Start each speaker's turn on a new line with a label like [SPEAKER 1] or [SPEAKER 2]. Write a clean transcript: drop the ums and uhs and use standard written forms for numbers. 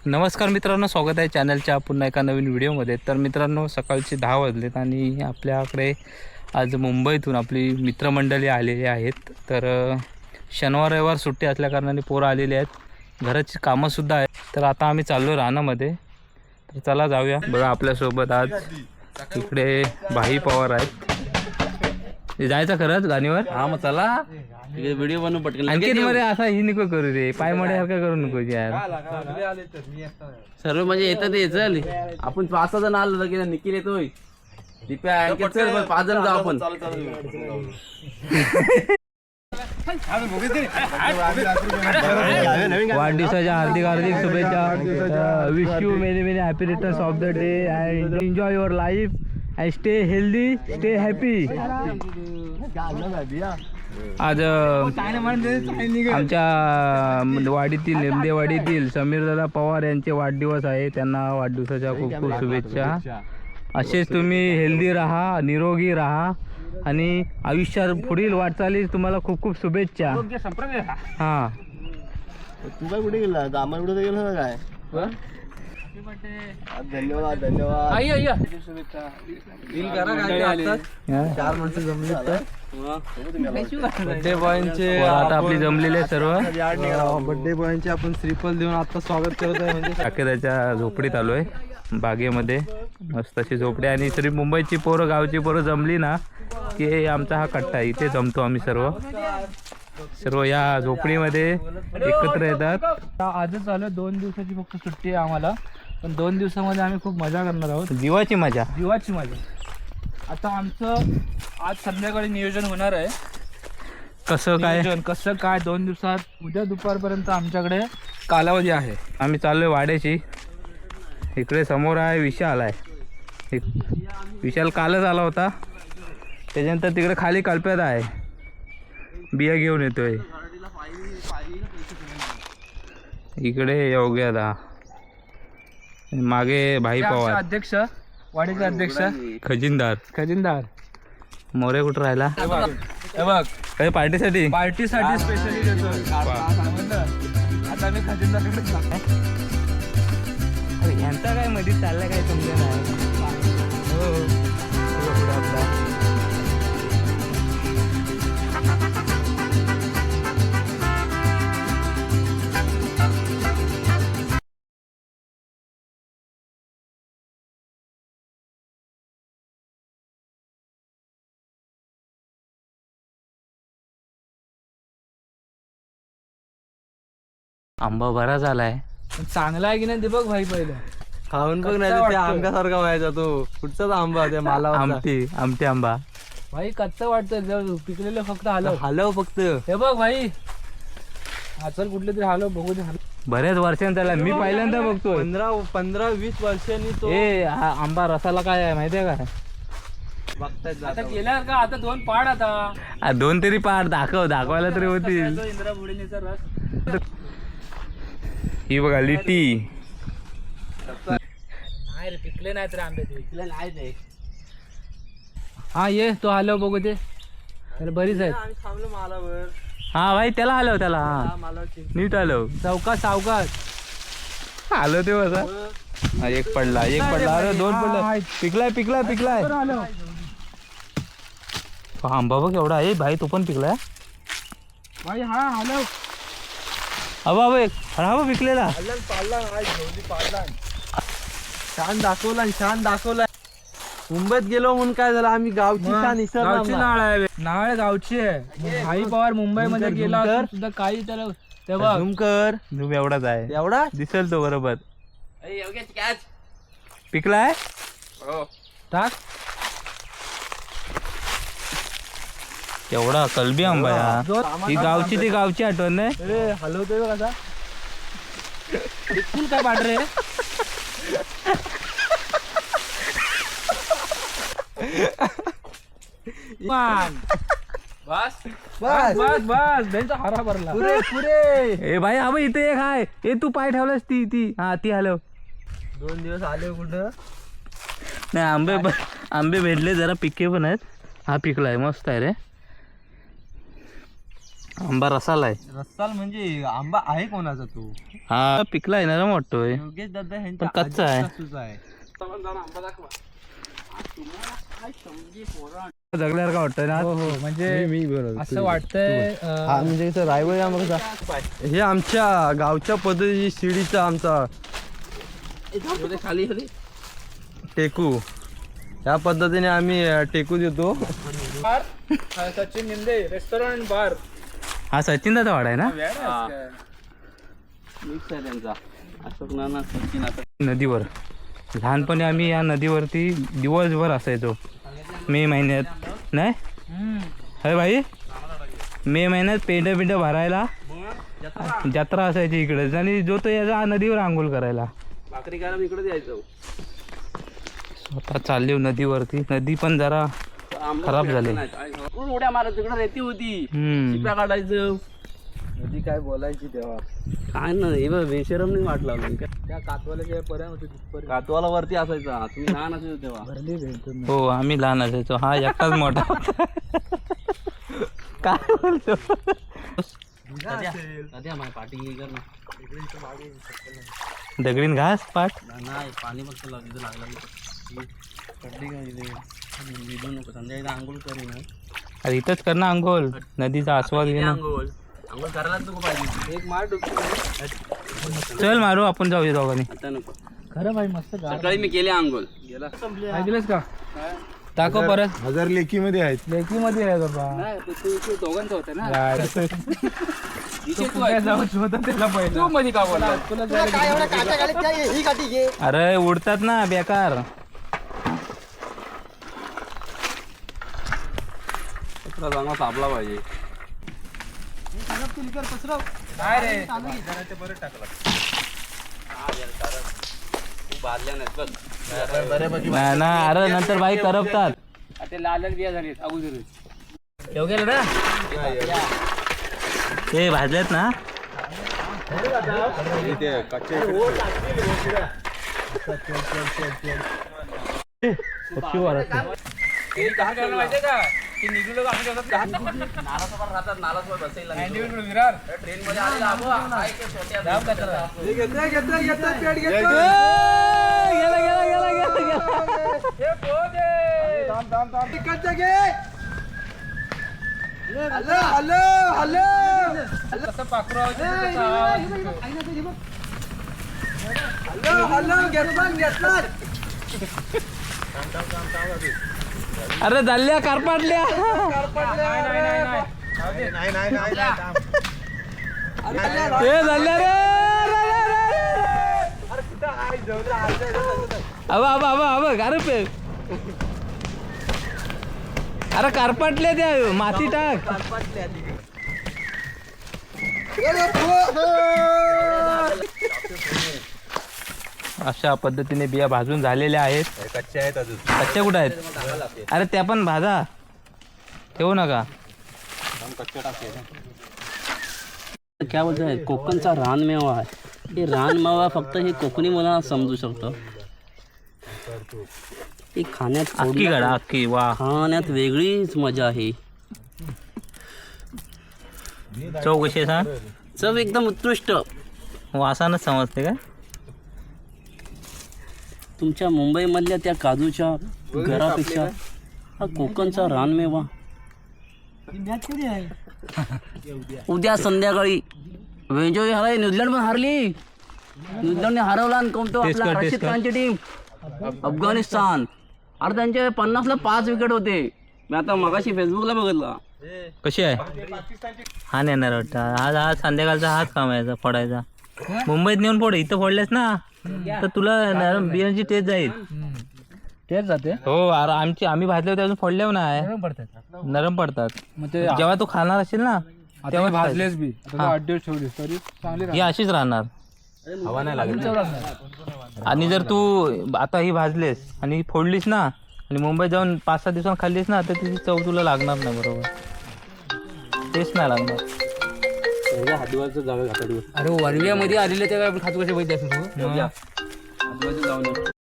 [SPEAKER 1] नमस्कार मित्रांनो, स्वागत आहे चॅनलच्या पुन्हा एका नवीन व्हिडिओमध्ये. तर मित्रांनो, सकाळचे 10 वाजलेत आणि आपल्याकडे आज मुंबईतून आपली मित्रमंडळी आलेली आहेत. तर शनिवार रविवार सुट्टी असल्याकारणाने पोरं आलेली आहेत, घराची कामंसुद्धा आहेत. तर आता आम्ही चाललो रानामध्ये. तर चला जाऊया. बघा आपल्यासोबत आज इकडे भाई पवार आहेत. जायचं खरंच गाणीवर?
[SPEAKER 2] हा मग चला व्हिडिओ बनवू पटकन.
[SPEAKER 1] आणखी मध्ये असा ही नको करू रे, पाय मड्यासारखं करू नको यार.
[SPEAKER 2] सर्व म्हणजे येतात ये. चल आपण 5 जण आलो की निखिल येतोय, दिप्या आणखी चल 5 जण जाऊ आपण.
[SPEAKER 1] वाढदिवसाच्या हार्दिक हार्दिक शुभेच्छा. Wish you many many happy returns of the day and enjoy your life and stay healthy, stay happy. आज आमच्या वाडीतील निमदेवाडीतील समीरदादा पवार यांचे वाढदिवस आहे. त्यांना वाढदिवसाच्या खूप खूप शुभेच्छा. असेच तुम्ही हेल्दी राहा, निरोगी राहा आणि आयुष्यात पुढील वाटचालीस तुम्हाला खूप खूप शुभेच्छा. हां,
[SPEAKER 3] तू काय कुठे गेला? कामा कुठे गेला काय? धन्यवाद धन्यवाद.
[SPEAKER 2] चार माणसं जमले तर
[SPEAKER 1] बर्थडे बॉयचे आता आपली जमलेले सर्व
[SPEAKER 2] बर्थडे बॉयचे आपण श्रीफल देऊन आता स्वागत करत आहे. म्हणजे
[SPEAKER 1] शाखेदाच्या झोपडीत आलोय, बागेमध्ये मस्त अशी झोपडी. आणि तरी मुंबईची पोरं, गावची पोरं जमली ना की आमचा हा कट्टा आहे. इथे जमतो आम्ही सर्व या झोपडीमध्ये एकत्र येतात.
[SPEAKER 4] आजच आलो, 2 दिवसाची फक्त सुट्टी आहे आम्हाला, पण 2 दिवसामध्ये आम्ही खूप मजा करणार आहोत.
[SPEAKER 1] जीवाची मजा.
[SPEAKER 4] आता आमचं आज संध्याकाळी नियोजन होणार आहे.
[SPEAKER 1] कसं काय?
[SPEAKER 4] 2 दिवसात उद्या दुपारपर्यंत आमच्याकडे कालावधी आहे.
[SPEAKER 1] आम्ही चाललोय वाड्याची. इकडे समोर आहे विशाल आहे. विशाल कालच आला होता. त्याच्यानंतर तिकडे खाली कल्प्यात आहे, बिया घेऊन येतोय. इकडे योग्यदा, मागे भाई पवार
[SPEAKER 4] अध्यक्ष, वाडीचे अध्यक्ष
[SPEAKER 1] खजिनदार मोरे. कुठं राहिला?
[SPEAKER 4] हे बघ
[SPEAKER 1] काही पार्टीसाठी
[SPEAKER 4] स्पेशली देतोय. आता मी खजिनदारकडे जातो.
[SPEAKER 1] यांचा काय मध्ये चाललं काय समजा नाही. आंबा बरा झालाय.
[SPEAKER 4] चांगला आहे की नाही ते बघ भाई. पहिलं
[SPEAKER 2] खाऊन बघ नाही त्या आंब्यासारखा व्हायचा तो. कुठचाच आंबा त्या मला
[SPEAKER 1] आमटी आंबा
[SPEAKER 4] भाई कच्चा वाटतं, पिकलेलं फक्त
[SPEAKER 2] हलव फक्त.
[SPEAKER 4] हे बघ भाई, चल कुठले तरी हलव बघू दे.
[SPEAKER 1] बऱ्याच वर्षांनी त्याला मी पहिल्यांदा बघतोय.
[SPEAKER 2] 15-20 वर्षांनी तो.
[SPEAKER 1] हा आंबा रसाला काय आहे माहितीये का?
[SPEAKER 4] आता गेला का? आता 2 पाड. आता
[SPEAKER 1] 2 तरी पाड दाखवायला तरी होतील.
[SPEAKER 4] इंद्राभुडीचा रस.
[SPEAKER 1] ही बघा लिटी.
[SPEAKER 4] नाही रे, पिकले नाही तर आंबे ते.
[SPEAKER 2] नाही ते
[SPEAKER 4] हा ये तो हलव बघू दे. तर बरीच आहेत.
[SPEAKER 2] आम्ही थांबलो मालावर.
[SPEAKER 1] हा भाई त्याला आलो त्याला. हा नीट आलो.
[SPEAKER 4] सावकाश
[SPEAKER 1] आलो ते बघा. एक पडला अरे 2 पडला. पिकलाय. आंबा बघ एवढा आहे भाई. तो पण पिकलाय
[SPEAKER 4] भाई. हा हलव.
[SPEAKER 1] हा पिकलेला.
[SPEAKER 2] छान दाखवला. मुंबईत गेलो म्हणून काय झालं, आम्ही गावची
[SPEAKER 4] गावची नाळ आहे. नाळ गावची आहे. भाई पवार मुंबईमध्ये गेला असून सुद्धा काही त्याला तेव्हा
[SPEAKER 1] झूम एवढाच आहे.
[SPEAKER 2] एवढा
[SPEAKER 1] दिसेल तो बरोबर. पिकलाय.
[SPEAKER 4] टाक.
[SPEAKER 1] एवढा कलबी आंबा या. ही गावची आठवण नाही.
[SPEAKER 4] हलवतोय बघ कसा. काय पांढरे बस त्यांचा हारा भरला.
[SPEAKER 1] ए भाई हा इथे एक आहे. ए तू पाय ठेवलास ती हलव.
[SPEAKER 2] 2 दिवस आले कुठं
[SPEAKER 1] नाही. आंबे भेटले, जरा पिके पण आहेत. हा पिकलाय, मस्त आहे रे. आंबा रसाला आहे.
[SPEAKER 3] रस्साल म्हणजे आंबा आहे कोणाचा तो?
[SPEAKER 1] हा पिकला आहे ना वाटतोय,
[SPEAKER 3] योगेश दादा
[SPEAKER 1] पण कच्चा आहे. जगल्यावर का वाटतंय ना.
[SPEAKER 4] हो हो म्हणजे असं वाटतंय
[SPEAKER 3] म्हणजे कसं रायवळ आंबा कसा हे आमच्या गावच्या पद्धतीची शिडीचा आमचा
[SPEAKER 2] खाली
[SPEAKER 3] टेकू, या पद्धतीने आम्ही टेकू देतो.
[SPEAKER 4] बार सचिन निंदे रेस्टॉरंट बार.
[SPEAKER 1] हा सचिन दादा वाडा आहे ना.
[SPEAKER 2] मिक्स आहे त्यांचा. अशोक नाना सचिन आता
[SPEAKER 1] नदीवर लहानपणी आम्ही या नदीवरती दिवसभर असायचो. मे महिन्यात नाही अरे भाई, मे महिन्यात पेंड भरायला जत्रा असायची इकडेच, आणि जो तो याचा नदीवर आंघोळ करायला.
[SPEAKER 2] भाकरी कारण इकडे यायचं.
[SPEAKER 1] स्वतः चालली नदीवरती. नदी पण जरा खराब झाली.
[SPEAKER 2] उड्या मारत तिकडे रेती होती, शिप्या काढायचं.
[SPEAKER 4] नदी काय बोलायची तेव्हा.
[SPEAKER 2] काय नाही बेशरम नाही वाटला.
[SPEAKER 4] त्या कातवाल्याच्या पर्यंत होती तिथपर्यंत.
[SPEAKER 2] कातवाला वरती असायचा. तुम्ही लहान असायचो तेव्हा.
[SPEAKER 4] भरली भेटतो.
[SPEAKER 1] हो आम्ही लहान असायचो. हा एकटाच मोठा होता. काय बोलतो.
[SPEAKER 2] पाठी कर ना.
[SPEAKER 1] दगडीन घास पाठ.
[SPEAKER 2] नाही पाणी फक्त लागलं. संध्याकाळी आंघोळ करीन.
[SPEAKER 1] अरे इथंच कर ना आंघोळ, नदीचा आस्वाद घे ना.
[SPEAKER 2] आंघोळ करायलाच नको पाहिजे.
[SPEAKER 4] एक मार
[SPEAKER 1] चल मारू आपण जाऊया दोघांनी.
[SPEAKER 2] आता नको.
[SPEAKER 4] खरं भाई मस्त
[SPEAKER 2] सकाळी मी केले आंघोळ.
[SPEAKER 4] ऐकलंस का. दाखव परत.
[SPEAKER 3] हजार लेखी मध्ये आहेत.
[SPEAKER 4] लेकी मध्ये आहे बाबा.
[SPEAKER 2] तू दोघांचं होतं ना.
[SPEAKER 4] त्याला पहिलं तू मध्ये का बोला. तुला
[SPEAKER 1] अरे उडतात ना बेकार.
[SPEAKER 2] कचरा चांगला सापला पाहिजे.
[SPEAKER 4] काय रे.
[SPEAKER 2] तू बादल्या नाहीत बघ.
[SPEAKER 1] नाही ना, अरे नंतर बाई करपतात.
[SPEAKER 2] ते लाल बिया झाली अगोदर.
[SPEAKER 1] येऊ गेलं ना ते भाजलेत ना.
[SPEAKER 4] माहितीये का ते निघलो
[SPEAKER 2] नालासोबत राहतात. नालासोबत बसायला
[SPEAKER 4] विरार
[SPEAKER 2] ट्रेन मध्ये आलेला अबो, आहे ते छोट्या
[SPEAKER 4] कसं पाखरू
[SPEAKER 1] अरे झाल्या कारपाटल्या. हे झाल्या रे. अरे अरे कारपाटल्या त्या माती टाक. अशा पद्धतीने बिया भाजून झालेल्या आहेत.
[SPEAKER 3] कच्चे आहेत अजून.
[SPEAKER 1] कच्च्या कुठं आहेत. अरे त्या पण भाजा, ठेवू नका.
[SPEAKER 2] काय बोलतोय. कोकणचा रानमेवा आहे. हे रानमेवा फक्त हे कोकणी मला समजू शकतो. हे खाण्यात
[SPEAKER 1] अख्खी गाडा अख्खी. वा
[SPEAKER 2] खाण्यात वेगळीच मजा आहे.
[SPEAKER 1] चव कशी आहे सांग.
[SPEAKER 2] चव एकदम उत्कृष्ट.
[SPEAKER 1] वासानच समजते काय.
[SPEAKER 2] तुमच्या मुंबईमधल्या त्या काजूच्या घरापेक्षा हा कोकणचा रानमेवा. उद्या संध्याकाळी वेंजोई हराय. न्यूझीलंड पण हारली. न्यूझीलंडने हरवला आणि कोणतो आपला रशीद खानची टीम अफगाणिस्तान. अरे त्यांचे 50ला 5 विकेट होते. मी आता मगाशी फेसबुकला बघितला.
[SPEAKER 1] कशी आहे. हा नेणार वाटतं. आज संध्याकाळचा हाच काम आहे फोडायचा. मुंबईत नेऊन फोड. इथं फोडलेस ना तर तुला बियांची टेस्ट जाईल.
[SPEAKER 4] तेच जाते.
[SPEAKER 1] हो अरे आम्ही भाजले होते अजून फोडले नाही. नरम पडतात.
[SPEAKER 4] मग ते
[SPEAKER 1] जेव्हा तू खाणार असेल ना तेव्हा
[SPEAKER 4] भाजलेच बी. आता 8 दिवस ठेवलीस तरी चांगली
[SPEAKER 1] ही अशीच राहणार.
[SPEAKER 3] हवा नाही लागत.
[SPEAKER 1] आणि जर तू आता ही भाजलेस आणि फोडलीस ना आणि मुंबईत जाऊन 5-6 दिवसांनी खाल्लीस ना तर तिची चव तुला लागणार नाही. बरोबर टेस्ट नाही लागणार.
[SPEAKER 2] हातवाचं जागा
[SPEAKER 4] अरे वनव्यामध्ये आलेले तेव्हा खातो कसे माहिती असेल तू.
[SPEAKER 2] जाऊन